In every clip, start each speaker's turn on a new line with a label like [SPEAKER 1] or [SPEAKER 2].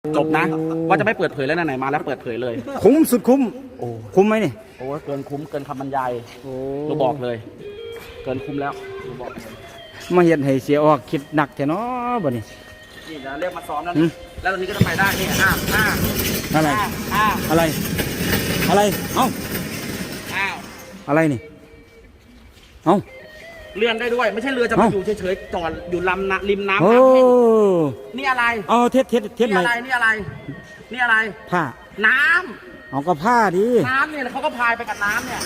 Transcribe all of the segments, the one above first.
[SPEAKER 1] จบนะว่าจะไม่เปิดเผยแล้วไหนมาแล้วเปิดเผยเลย
[SPEAKER 2] คุ้มสุดคุ้ม
[SPEAKER 1] โอ้
[SPEAKER 2] คุ้มไหมนี่
[SPEAKER 1] โอ้เกินคุ้มเกินคำบรรยายเราบอกเลยเกินคุ้มแล้วเราบอก
[SPEAKER 2] มาเห็นให้เสียออกคิดหนักแท้เนาะบ่นี่
[SPEAKER 1] นี่จะเรียกมาซ้อมแล้วแล้วตอนนี้ก็จะไปได้นี่
[SPEAKER 2] อะไรอะไรอะไรเอ้าอะไรนี่เอ้า
[SPEAKER 1] เลื่อนได้ด้วยไม่ใช่เรือจะมาอยู่เฉยๆจอดอยู่ริมน้ำนี่อะไร
[SPEAKER 2] อ๋อเท็ด
[SPEAKER 1] นี่อะไรนี่อะไรนี่อะไร
[SPEAKER 2] ผ้า
[SPEAKER 1] น้
[SPEAKER 2] ำเอาก็ผ้าดิ
[SPEAKER 1] น้ำเนี่ยเขาก็พายไปกับน้ำเนี่ย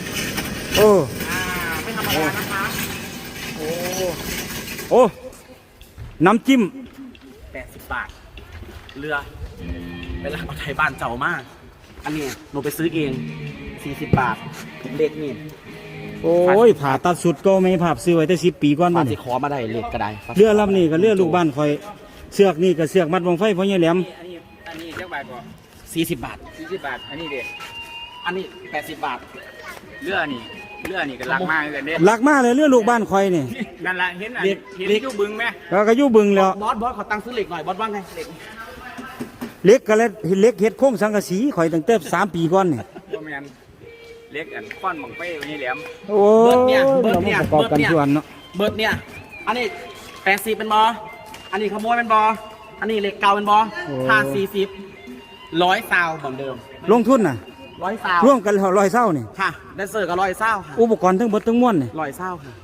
[SPEAKER 1] ไม่ธรรมดานะคะ
[SPEAKER 2] โอ้น้ำจิ้ม
[SPEAKER 1] 80 บาทเรือเป็นร้านไทยบ้านเจ้ามากอันนี้หนูไปซื้อเอง40 บาทเล็กนี่
[SPEAKER 2] โอ้ยผ่าตัดสุดก็ไม่ผ่าซื้อไว้แต่10 ปีก่อน
[SPEAKER 1] มันสิขอมาได้เล็กก็ได้
[SPEAKER 2] เรือลำนี้ก็เรือลูกบ้านคอยเสือกนี่ก็เสือกมัดวงไฟเพราะเนี่ยแหลม
[SPEAKER 3] อันนี้เท่าไหร่ก่อน
[SPEAKER 1] 40 บาท
[SPEAKER 3] อันนี้เด็ก
[SPEAKER 1] อันนี้80 บาท
[SPEAKER 3] เรือนี่ก็รักมากเลยเด็ก
[SPEAKER 2] รักมากเลยเรือลูกบ้านคอยนี่
[SPEAKER 3] นั่นแหละเห็นยู่บึงไหม
[SPEAKER 2] ก็ยู่บึงแล้ว
[SPEAKER 1] บอสขอตังค์ซื้อเหล็กหน่อยบอสว่าไง
[SPEAKER 2] เล็กก็เลยเล็กเฮ็ดโค้งสังกะสีคอยตั้งแต่3 ปีก่อนนี่
[SPEAKER 3] เล็กอันก้อนบังไฟนี่แหลม
[SPEAKER 2] โอ้เบิร์ดเนี่ยเบิร์ด
[SPEAKER 1] เนี่ยอันนี้80เป็นบออันนี้ขโมยเป็นบออันนี้เหล็กเก่าเป็นบอค่า40 100 ซาวเหมือนเดิม
[SPEAKER 2] ลงทุนน่ะ
[SPEAKER 1] 100 ซาว
[SPEAKER 2] ร่วมกัน100 ซาวนี่
[SPEAKER 1] ค่ะแดนเซอร์ก็100 ซาวค่ะ
[SPEAKER 2] อุปกรณ์ทั้งหมดทั้งมวลนี่
[SPEAKER 1] 100 ซาวค่ะ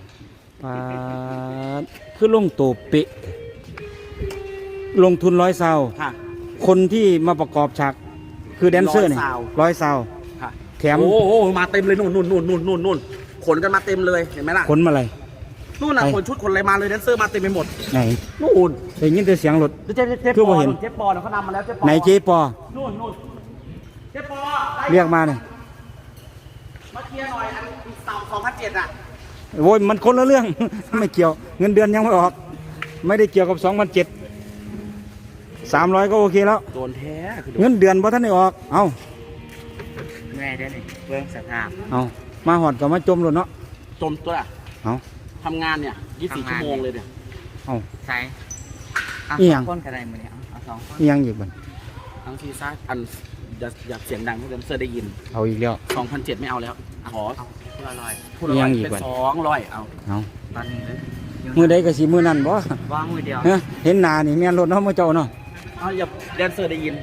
[SPEAKER 2] คือลงโตเปะลงทุน100 ซาวคนที่มาประกอบฉากคือแดนเซอร์นี่100 ซาวแถม
[SPEAKER 1] โอ้โหมาเต็มเลยนู่นขนกันมาเต็มเลยเห็นไหมล่ะ
[SPEAKER 2] ขนมาอะไร
[SPEAKER 1] นู่นน่ะขนชุดขนอะไรมาเลยแดนเซอร์มาเต็มไปหมด
[SPEAKER 2] ไหน
[SPEAKER 1] นู่น
[SPEAKER 2] ได้ยินแต่เสียงรถ
[SPEAKER 1] คือบ่เห็นเจ๊ปอเขานำมาแล้วเจ๊ปอ
[SPEAKER 2] ไหนเจ๊ปอ
[SPEAKER 1] นู่นเจ๊ปอ
[SPEAKER 2] เรียกมาเนี่ย
[SPEAKER 1] มาเคลียร์หน่อยอันเสา2007อ่ะ
[SPEAKER 2] โว้ยมันคนละเรื่องไม่เกี่ยวเงินเดือนยังไม่ออกไม่ได้เกี่ยวกับ2007 300ก็โอเคแล้ว
[SPEAKER 1] โดนแท้
[SPEAKER 2] เงินเดือนพอท่านได้ออกเอา
[SPEAKER 3] แม่ได้เลยเบื้องสภาพ
[SPEAKER 2] เอามาหอดกับมาจมหลุดเนาะ
[SPEAKER 1] จมตัวอ่ะ
[SPEAKER 2] เอา
[SPEAKER 1] ทำงานเนี่ย24 ชั่วโมงเลยเนี่ย
[SPEAKER 2] เอา
[SPEAKER 3] ใช่
[SPEAKER 2] อีหยัง
[SPEAKER 3] คนกระไรมือเนี่ยเอา2 คน
[SPEAKER 2] อีหยังอีกบ้าง
[SPEAKER 1] ทั้งซีซ่าอันอยากเสียงดังให้แดนเซอร์ได้ยิน
[SPEAKER 2] เอาอีกแล้ว
[SPEAKER 1] 2007ไม่เอาแล้วขอ
[SPEAKER 3] พูด
[SPEAKER 1] 100เป็น200เอา
[SPEAKER 3] ตอนนี้เลย
[SPEAKER 2] มือใดก็สิมือนั่นบ่
[SPEAKER 3] วางมือเดียว
[SPEAKER 2] เห็นหน้านี่แม่นรถเนาะมื้อเจ้าเนาะ
[SPEAKER 1] อย่าแดนเซอร์ได้ยิน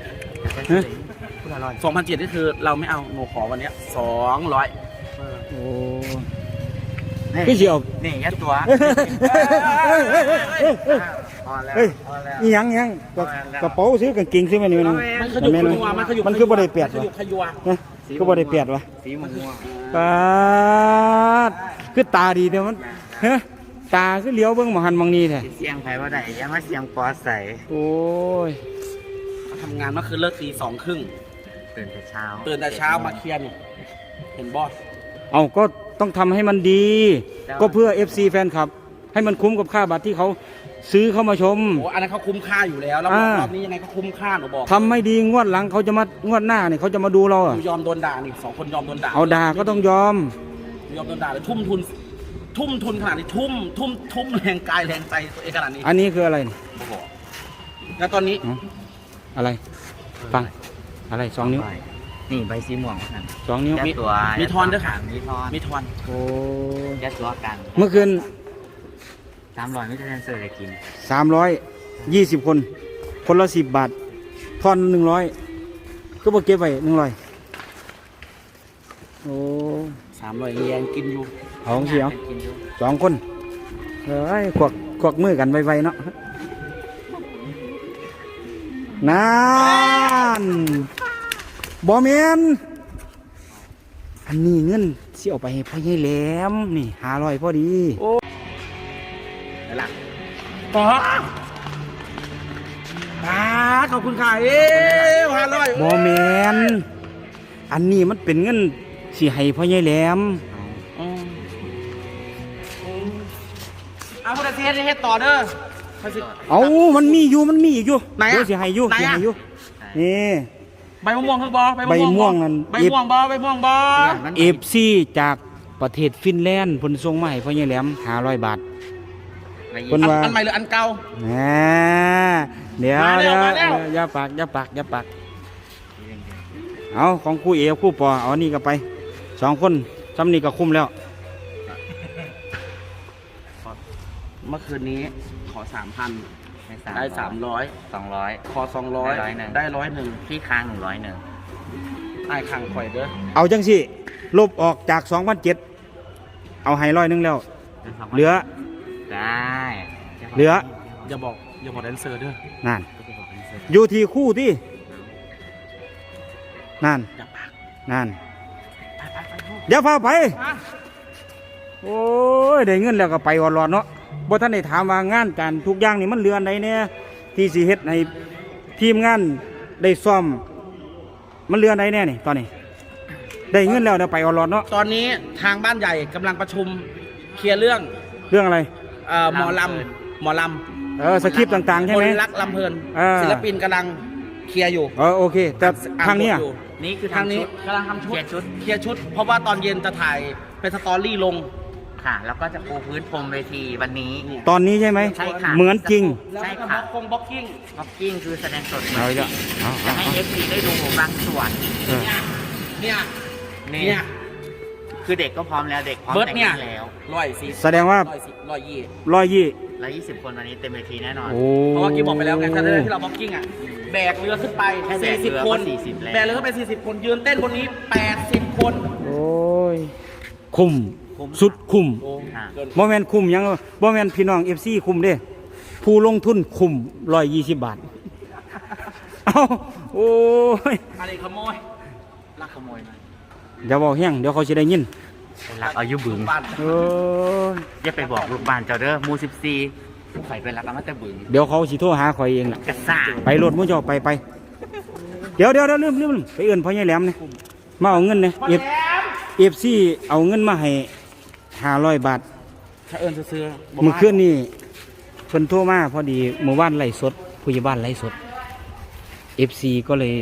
[SPEAKER 1] 2007นี่คือเราไม่เอาหนูขอวันนี้200
[SPEAKER 2] โอ้พี่เสียว
[SPEAKER 3] นี่ยัดตัว
[SPEAKER 2] นี่ยังกระเป๋าซื้อกางเกงซื้อมานี่มันคือบ่ได้เปียดวะคือบ่ได้เปียดวะ
[SPEAKER 3] สีม่วง
[SPEAKER 2] ปาดคือตาดีแต่มันตาคือเลี้ยวเบิ่งหมอหันมองนี่แท้
[SPEAKER 3] เสียงไผบ่ได้ยังมาเสียงปอใส่
[SPEAKER 2] โอ้ย
[SPEAKER 1] ทำงานเมื่อคืนเลิกตี 2:30ตื่นแต่เช้ามาเคลียร์นี่เห็นบอส
[SPEAKER 2] เอาก็ต้องทำให้มันดีก็เพื่อ FC แฟนคลับให้มันคุ้มกับค่าบัตรที่เขาซื้อเข้ามาชม
[SPEAKER 1] โอ้อันนั้นเขาคุ้มค่าอยู่แล้วรอบนี้ยังไงก็คุ้มค่าหนูบอก
[SPEAKER 2] ทำไม่ดีงวดหลังเขาจะมางวดหน้าเนี่ยเขาจะมาดูเรา
[SPEAKER 1] ยอมโดนด่านี่2 คนยอมโดนด่า
[SPEAKER 2] เอาด่าก็ต้องยอม
[SPEAKER 1] โดนด่าเลยทุ่มทุนขนาดนี้ทุ่มแรงกายแรงใจตัวเองขนาดนี้
[SPEAKER 2] อันนี้คืออะไร
[SPEAKER 1] แล้วตอนนี้
[SPEAKER 2] อะไรฟังอะไร2 นิ้ว
[SPEAKER 3] นี่ใบสีม่วง
[SPEAKER 2] 2 นิ้ว
[SPEAKER 1] มีทอนด้วยค่ะมีทอน
[SPEAKER 2] โอ้
[SPEAKER 3] ยัดตัวกัน
[SPEAKER 2] เมื่อคืน
[SPEAKER 3] 300ไม่ได้แดนเซอร์เลยกิน
[SPEAKER 2] 320 คนละ10 บาททอน100ก็บ่เก็บไว้100โอ้
[SPEAKER 1] 300แยงกินอยู่
[SPEAKER 2] เอาเสียว2 คนขวักมือกันไวๆเนาะนั่นบอแมนอันนี้เงินเสียออกไปให้พ่อใหญ่แหลมนี่500พอดี
[SPEAKER 1] โอ้นั่นล่ะขอบคุณค่ะ500
[SPEAKER 2] บอแมนอันนี้มันเป็นเงินสิให้พ่อใหญ่แหลม
[SPEAKER 1] เอาคุณเทสให้ต่อเด้อ
[SPEAKER 2] เอามันมีอยู่ไหนอ่ะสิให้อยู่นี่
[SPEAKER 1] ใบม่วงคือบอ
[SPEAKER 2] ใบม่วงนั่น
[SPEAKER 1] ใบม่วงบอ
[SPEAKER 2] FC จากประเทศฟินแลนด์เพิ่นส่งมาให้พ่อใหญ่แหลม500 บาท
[SPEAKER 1] เพิ่นว่าอันใหม่หรืออันเก่า
[SPEAKER 2] เดี๋ยว
[SPEAKER 1] มาแล้ว
[SPEAKER 2] เดี๋ยว
[SPEAKER 1] มาแล้ว
[SPEAKER 2] อย่าปากเอาของคู่เอคู่ปอเอานี่ก็ไป2คนซ้ำนี่ก็คุ้มแล้ว
[SPEAKER 1] เมื่อคืนนี้ขอ 3,000 ได้ 300
[SPEAKER 3] 200
[SPEAKER 1] ขอ 200 ได้ 101
[SPEAKER 3] พี่ค้าง101
[SPEAKER 1] ไอ้ขังข่อยเด้อ
[SPEAKER 2] เอาจังสิลบออกจาก2,700เอาให้100แล้วเหลือ
[SPEAKER 3] ได้
[SPEAKER 2] เหลือ
[SPEAKER 1] อย่าบอกแดนเซอร์เด้อ
[SPEAKER 2] นั่นอยู่ที่คู่ที่นั่น
[SPEAKER 1] อย่าปาก
[SPEAKER 2] นั่น
[SPEAKER 1] ไปลูก
[SPEAKER 2] เดี๋ยวพาไป
[SPEAKER 1] มา
[SPEAKER 2] โอ้ยได้เงินแล้วก็ไปอ่อนๆเนาะบ่ท่านได้ถามว่างานการทุกอย่างนี่มันเรือนใดเนี่ยที่สิเฮ็ดให้ทีมงานได้ซ่อมมันเรือนใดแน่นี่ตอนนี้ได้เงินแล้วเดี๋ยวไปอ่อนๆเนาะ
[SPEAKER 1] ตอนนี้ทางบ้านใหญ่กำลังประชุมเคลียร์เรื่อง
[SPEAKER 2] เรื่องอะไร
[SPEAKER 1] หมอลำ
[SPEAKER 2] สคริปต์ต่างๆใช่
[SPEAKER 1] ค
[SPEAKER 2] ไหม
[SPEAKER 1] นรักลำเพลิน
[SPEAKER 2] อ่า
[SPEAKER 1] ศิลปินกำลังเคลียร์อยู่
[SPEAKER 2] โอเค แต่ทางเนี้ย
[SPEAKER 1] อ่บทอยู่
[SPEAKER 3] นี่คือ
[SPEAKER 1] ทางนี้
[SPEAKER 3] ชุด
[SPEAKER 1] กำลังทำชุด
[SPEAKER 3] เคลียร์ชุด
[SPEAKER 1] เคลียร์ชุด เพราะว่าตอนเย็นจะถ่ายเป็นสตอรี่ลง
[SPEAKER 3] ค่ะ แล้วก็จะปูพื้นพรมเวทีวันนี้
[SPEAKER 2] ตอนนี้ใช่ไหม
[SPEAKER 3] ใช่ค่ะ
[SPEAKER 2] เหมือนจริง
[SPEAKER 1] แล้ว
[SPEAKER 3] ใช่
[SPEAKER 1] ก็
[SPEAKER 3] ค่ะ
[SPEAKER 1] บล็อกกิ้ง
[SPEAKER 3] บ็อกกิ้งคือแสดงสด
[SPEAKER 2] เอาอีกแล้วเอา
[SPEAKER 3] จะให้ FC ได้ดูบางส่วน
[SPEAKER 2] เออ
[SPEAKER 1] เนี่ย
[SPEAKER 3] นี่
[SPEAKER 1] เนี่ย
[SPEAKER 3] คือเด็กก็พร้อมแล้วเด็กพร้อม
[SPEAKER 1] เบิร์ด
[SPEAKER 3] แต่ง
[SPEAKER 1] เนี่ย
[SPEAKER 3] งานแล้ว
[SPEAKER 1] 140
[SPEAKER 2] แสดงว่า
[SPEAKER 1] 120
[SPEAKER 3] 120 คนวันนี้เต็มเวทีแน่นอน
[SPEAKER 2] โอ้
[SPEAKER 1] เพราะว่ากี้บอกไปแล้วไงถ้าที่เราบล็อกกิ้งอ่ะแบกเรือขึ้นไป
[SPEAKER 3] แค่แบกเรือ
[SPEAKER 1] 40 คน
[SPEAKER 3] ก็40แล้ว
[SPEAKER 1] แบกเรือขึ้นไป40 คนยืนเต้นบนนี้ 80 คน
[SPEAKER 2] โอ้ยคุ้มสุดคุ้ม
[SPEAKER 1] โอ้
[SPEAKER 3] ค่ะ
[SPEAKER 1] เกิน
[SPEAKER 2] บ่แม่นคุ้มหยังบ่แม่นพี่น้อง FC คุ้มเด้ผู้ลงทุนคุ้ม120 บาท เอ้าโอ้ย
[SPEAKER 1] อะไรขโมยลักขโมยมา
[SPEAKER 2] อย่าบอกแห้งเดี๋ยวเขาสิได้ยิน
[SPEAKER 3] เป็นรักอายุบึง
[SPEAKER 1] บ้าน
[SPEAKER 2] โอ้ย
[SPEAKER 3] อย่าไปบอกลูกบ้านเจ้าเด้อหมู14ไฟเป็นรักเอามาแต่บึง
[SPEAKER 2] เดี๋ยวเขาสิโทรหาข่อยเองล่ะ
[SPEAKER 3] กระซ่า
[SPEAKER 2] ไปรถมุ่งเจ้าไปเดี๋ยวลืมไปเอื่นพ่อใหญ่แหลมเนี่ยมาเอาเงินเนี่ยเอฟซีเอาเงินมาให้500 บาท
[SPEAKER 1] ถ้าเอิญซื้อๆ
[SPEAKER 2] เมื่อคืนนี่เพิ่นโทรมาพอดีเมื่อวานไล่สดผู้ใหญ่บ้านไล่สดเอฟซีก็เลย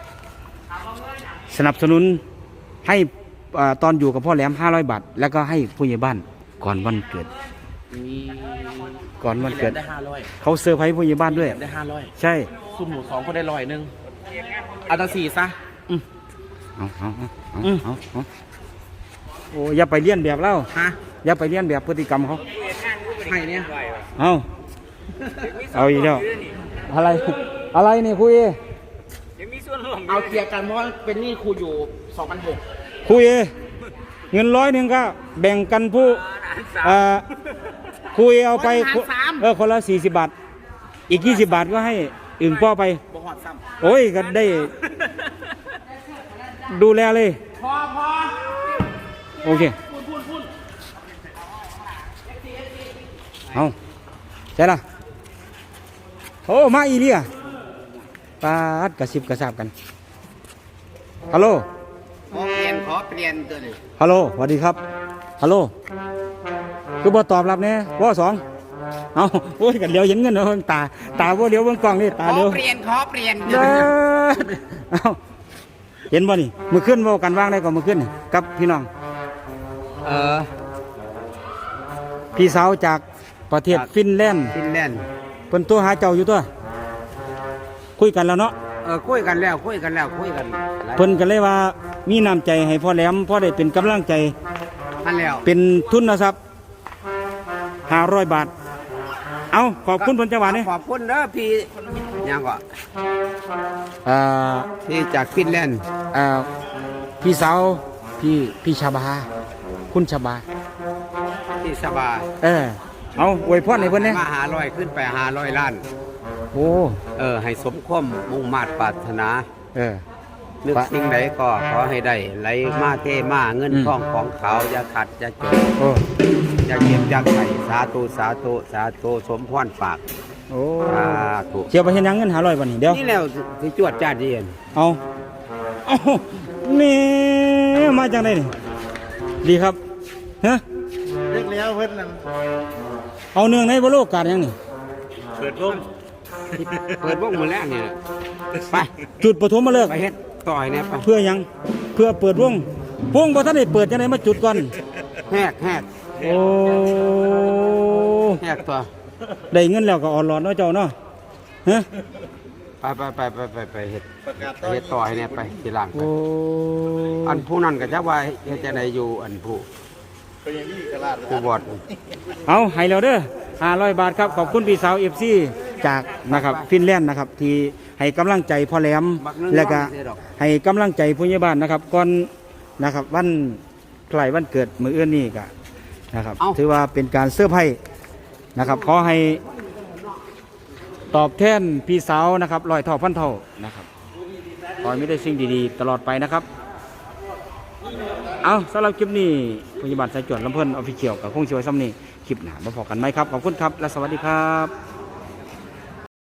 [SPEAKER 2] สนับสนุนให้ตอนอยู่กับพ่อแหลม500 บาท แล้วก็ให้ผู้ใหญ่บ้านก่อนวันเกิด
[SPEAKER 1] มี
[SPEAKER 2] ก่อนวันเกิด
[SPEAKER 1] ได้500
[SPEAKER 2] เขาเซอร์ไพรส์ผู้ใหญ่บ้านด้วย
[SPEAKER 1] ได้500
[SPEAKER 2] ใช่
[SPEAKER 1] ซุ่มหมู2คนได้100นึงเอาตั้ง4ซะ
[SPEAKER 2] เอาโอ้อย่าไปเลียนแบบเล่า
[SPEAKER 1] ฮะ
[SPEAKER 2] อย่าไปเลียนแบบพฤติกรรมเขา
[SPEAKER 1] ให้เนี่ย
[SPEAKER 2] เอาอีกแล้วอะไรนี่คุย
[SPEAKER 1] เอาเคลียร์กันเพราะว่าเป็นหนี้ครูอยู่ 2,600
[SPEAKER 2] คุยเงิน100ก็แบ่งกันผู้คุยเอาไปคนละ40 บาท อีก20 บาทก็ให้อึ่งป้อไป
[SPEAKER 1] บ่หอดซ้
[SPEAKER 2] โอ้ยก็ได้ดูแลเลย
[SPEAKER 1] ำพอ
[SPEAKER 2] โอเค
[SPEAKER 1] พูด
[SPEAKER 2] เอาใช่ละโอ้มาอีเลียปาดกระซิบกระซาบกันฮัลโหล
[SPEAKER 3] ขอเปลี่ยนตัวนี้
[SPEAKER 2] ฮัลโหลสวัสดีครับฮัลโหลคือบ่ตอบรับแน่ว่า2เอาโอ้ยกันเลี้ยวเห็นเงินเนาะตาบ่เลี้ยวเบิ่งกล้องนี่ตาเลี้ยว
[SPEAKER 3] ขอเปลี่ยน
[SPEAKER 2] เด้อเอาเห็นบ่นี่มื้อคืนเว้ากันวางได้ก่อนมื้อคืนนี่กับพี่น้องพี่สาวจากประเทศฟินแลนด์
[SPEAKER 4] ฟินแลนด์
[SPEAKER 2] เพิ่นโทรหาเจ้าอยู่ตัวคุยกันแล้วเนาะ
[SPEAKER 4] คุยกันแล้วหลาย
[SPEAKER 2] เพิ่นก็เลยว่ามีน้ำใจให้พ่อแหลมพ่อได้เป็นกำลังใจ
[SPEAKER 4] นั่นแล้ว
[SPEAKER 2] เป็นทุนทรัพย์500 บาท เอาขอบคุณเพิ่นจังหวะนี้
[SPEAKER 4] ขอบคุณเด้อพี่ยังก็
[SPEAKER 2] อ่า
[SPEAKER 4] พี่จากฟินแลนด์
[SPEAKER 2] อ่าพี่สาวพี่ชาบาคุณชาบา
[SPEAKER 4] ที่สบาย
[SPEAKER 2] เอาอวยพรให้เพิ่นเนี่ย
[SPEAKER 4] มา500ขึ้นไป500 ล้าน
[SPEAKER 2] โอ้
[SPEAKER 4] ให้สมความมุ่งมาตรปรารถนา
[SPEAKER 2] เออ
[SPEAKER 4] นึกสิ่งใดก็ขอให้ได้ไหลมาเทมาเงินทองของเขาอย่าขัดอย่าจน
[SPEAKER 2] โอ้
[SPEAKER 4] อย่าเก็บอย่าไข่สาธุสมพรปาก
[SPEAKER 2] โอ้
[SPEAKER 4] สาธุ
[SPEAKER 2] เสียไปเฮ็ดหยังเงิน500บาทนี่เดี๋ยว
[SPEAKER 4] นี่แล้วที่จวดจ้าดีเอ็น
[SPEAKER 2] เอานี่มาจากไหนนี่ดีครับฮะ
[SPEAKER 1] เรียกแล้วเพิ่นนั่น
[SPEAKER 2] เอาเนื่องในบโลกาสยังนี่
[SPEAKER 4] เปิดวงมือแรกเนี่ยไป
[SPEAKER 2] จุดปฐมฤกษ์
[SPEAKER 4] ไปเฮ็ดต่อยเนี่ยไป
[SPEAKER 2] เพื่อหยังเพื่อเปิดวงบ่ทันได้เปิดจังไดมาจุดก่อน
[SPEAKER 4] แหก
[SPEAKER 2] โอ้
[SPEAKER 4] ตัว
[SPEAKER 2] ได้เงินแล้วก็อ่อนหลอดเนาะเจ้าเนาะฮฮะ
[SPEAKER 4] ไปเฮ็ดต่อให้เนี่ยไปทีหลังไป
[SPEAKER 2] โอ้
[SPEAKER 4] อันผู้นั้นก็จะว่าเฮ็ดจังไดอยู่อันผู้บอด
[SPEAKER 2] เอาให้แล้วเด้อ500 บาทครับขอบคุณพี่สาว FC จากนะครับฟินแลนด์นะครับที่ให้กำลังใจพ่อแหลมแล้วก็ให้กำลังใจผู้ใหญ่บ้านนะครับก่อนนะครับวันใกล้วันเกิดมื้ออื่นนี้ก็นะครับถือว่าเป็นการเซอร์ไพรส์นะครับขอให้ตอบแทนพี่สาวนะครับ100 เท่าพันเท่านะครับขอให้มีได้สิ่งดีๆตลอดไปนะครับเอาสำหรับคลิปนี้พยาบาลสายจวดลำเพิ่นออฟฟิเชียลกับคงช่วยซ้ำนี่คลิปหน้ามาพอกันไหมครับขอบคุณครับและสวัสดีครับ